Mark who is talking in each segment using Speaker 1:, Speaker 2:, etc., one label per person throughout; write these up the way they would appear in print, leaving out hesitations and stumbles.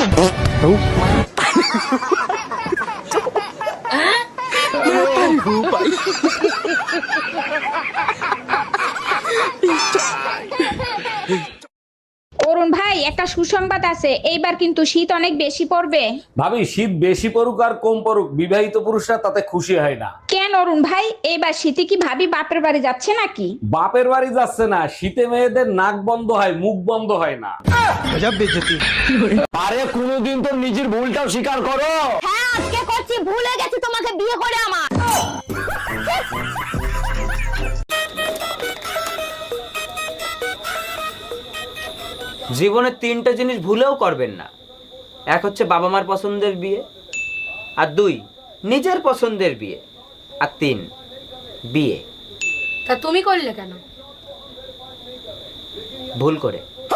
Speaker 1: অরুণ ভাই, একটা সুসংবাদ আছে, এইবার কিন্তু শীত অনেক বেশি পড়বে।
Speaker 2: ভাবি, শীত বেশি পড়ুক আর কম পড়ুক, বিবাহিত পুরুষরা তাতে খুশি হয় না।
Speaker 1: কেন অরুণ ভাই, এইবার শীতে কি ভাবি বাপের বাড়ি যাচ্ছে নাকি?
Speaker 2: বাপের বাড়ি যাচ্ছে না, শীতে মেয়েদের নাক বন্ধ হয়, মুখ বন্ধ হয় না। আরে কোনোদিন তো নিজের ভুলটাও স্বীকার করো।
Speaker 3: হ্যাঁ আজকে করছি, ভুলে গেছি তোমাকে বিয়ে করে আমার।
Speaker 4: জীবনে তিনটা জিনিস ভুলেও করবেন না। এক হচ্ছে বাবা মার পছন্দের বিয়ে, আর দুই নিজের পছন্দের বিয়ে, আর তিন বিয়ে।
Speaker 3: তা তুমি করলে কেন?
Speaker 4: ভুল করে।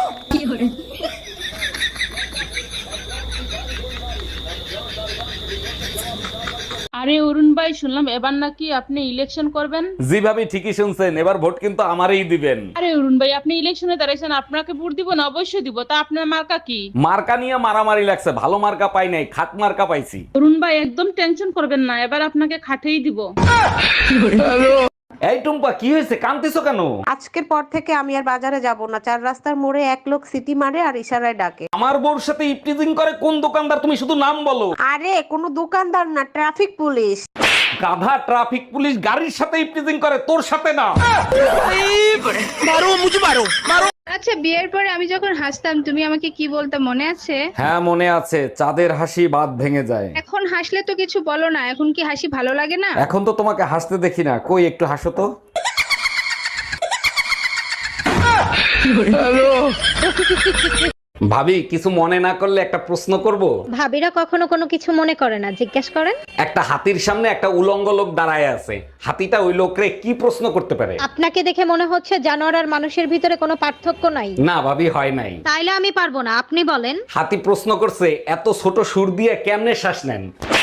Speaker 5: আরে অরুণ ভাই, শুনলাম এবার নাকি আপনি ইলেকশন করবেন।
Speaker 2: জি ভাবি, ঠিকই শুনছেন, এবার ভোট কিন্তু আমারই দিবেন।
Speaker 5: আরে অরুণ ভাই, আপনি ইলেকশনে দাঁড়াইছেন, আপনাকে ভোট দিব না? অবশ্যই দিব। তা আপনার মার্কা কি?
Speaker 2: মার্কা নিয়ে মারামারি লাগছে, ভালো মার্কা পাই নাই, খাট মার্কা পাইছি।
Speaker 5: অরুণ ভাই একদম টেনশন করবেন না, এবার আপনাকে খাটেই দিব।
Speaker 2: এই টুম্পা, কি হয়েছে, কাঁদতেছো কেন?
Speaker 6: আজকের পর থেকে আমি আর বাজারে যাব না। চার রাস্তার মোড়ে এক লোক সিটি মারে আর ইশারায় ডাকে।
Speaker 2: আমার বউর সাথে ইপটিজিং করে কোন দোকানদার, তুমি শুধু নাম বলো।
Speaker 6: আরে কোনো দোকানদার না, ট্রাফিক পুলিশ।
Speaker 2: গাধা, ট্রাফিক পুলিশ গাড়ির সাথে ইপটিজিং করে, তোর সাথে না।
Speaker 7: আচ্ছা, বিয়ের পরে আমি যখন হাসতাম তুমি আমাকে কি বলতে মনে আছে?
Speaker 2: হ্যাঁ মনে আছে, চাঁদের হাসি বাদ ভেঙে যায়।
Speaker 7: এখন হাসলে তো কিছু বলো না, এখন কি হাসি ভালো লাগে না?
Speaker 2: এখন তো তোমাকে হাসতে দেখি না, কই একটু হাসো তো। ভাবি, কিছু মনে না করলে একটা প্রশ্ন করব?
Speaker 3: ভাবিরা কখনো কোনো কিছু মনে করে না, জিজ্ঞেস করেন।
Speaker 2: একটা হাতির সামনে একটা উলঙ্গ লোক দাঁড়ায় আছে, হাতিটা ওই লোকরে কি প্রশ্ন করতে পারে?
Speaker 3: আপনাকে দেখে মনে হচ্ছে জানোয়ার আর মানুষের ভিতরে কোনো পার্থক্য নাই।
Speaker 2: না ভাবি, হয় নাই।
Speaker 3: তাইলে আমি পারবো না, আপনি বলেন।
Speaker 2: হাতি প্রশ্ন করছে, এত ছোট সুর দিয়ে কেমনে শ্বাস নেন?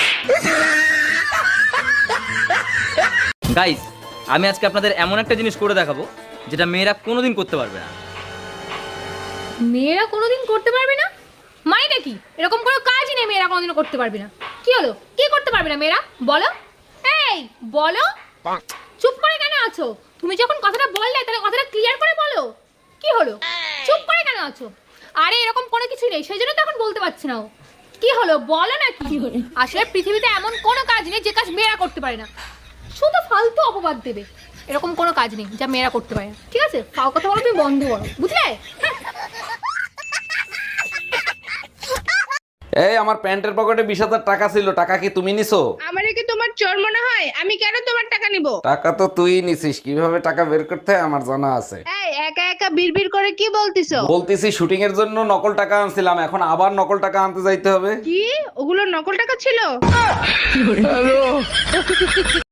Speaker 4: গাইস, আমি আজকে আপনাদের এমন একটা জিনিস করে দেখাবো যেটা মেয়েরা কোনোদিন করতে পারবে না।
Speaker 8: মেয়েরা কোনোদিন করতে পারবে না মানে নাকি? এরকম কোনো কাজই নেই মেয়েরা কোনোদিনও করতে পারবে না। কি হলো, কি করতে পারবে না মেয়েরা? বলো, এই বলো। চুপ করে কেন আছো? তুমি যখন কথাটা বললে তাহলে কথাটা ক্লিয়ার করে বলো। কি হলো, চুপ করে কেন আছো? আরে এরকম কোনো কিছু নেই, সেই জন্য তো এখন বলতে পারছি না। কি হলো বলো না। কি আসলে পৃথিবীতে এমন কোনো কাজ নেই যে কাজ মেয়েরা করতে পারে না। শুধু ফালতু অপবাদ দেবে। এরকম কোনো কাজ নেই যা মেয়েরা করতে পারে না, ঠিক আছে? ফাও কথা বলো তুমি বন্ধ করো, বুঝলে?
Speaker 2: এই, আমার প্যান্টের পকেটে 20,000 টাকা ছিল, টাকা কি তুমি নিছো?
Speaker 7: আমারে কি তোমার চোর মনে হয়? আমি কেন তোমার টাকা নিব?
Speaker 2: টাকা তো তুই নিছিস, কিভাবে টাকা বের করতে হয় আমার জানা আছে।
Speaker 7: এই একা একা বিড়বিড় করে কি বলতিছো?
Speaker 2: বলতেছি শুটিং এর জন্য নকল টাকা আনছিলাম, এখন আবার নকল টাকা আনতে যাইতে হবে।
Speaker 7: কি ওগুলো নকল টাকা ছিল?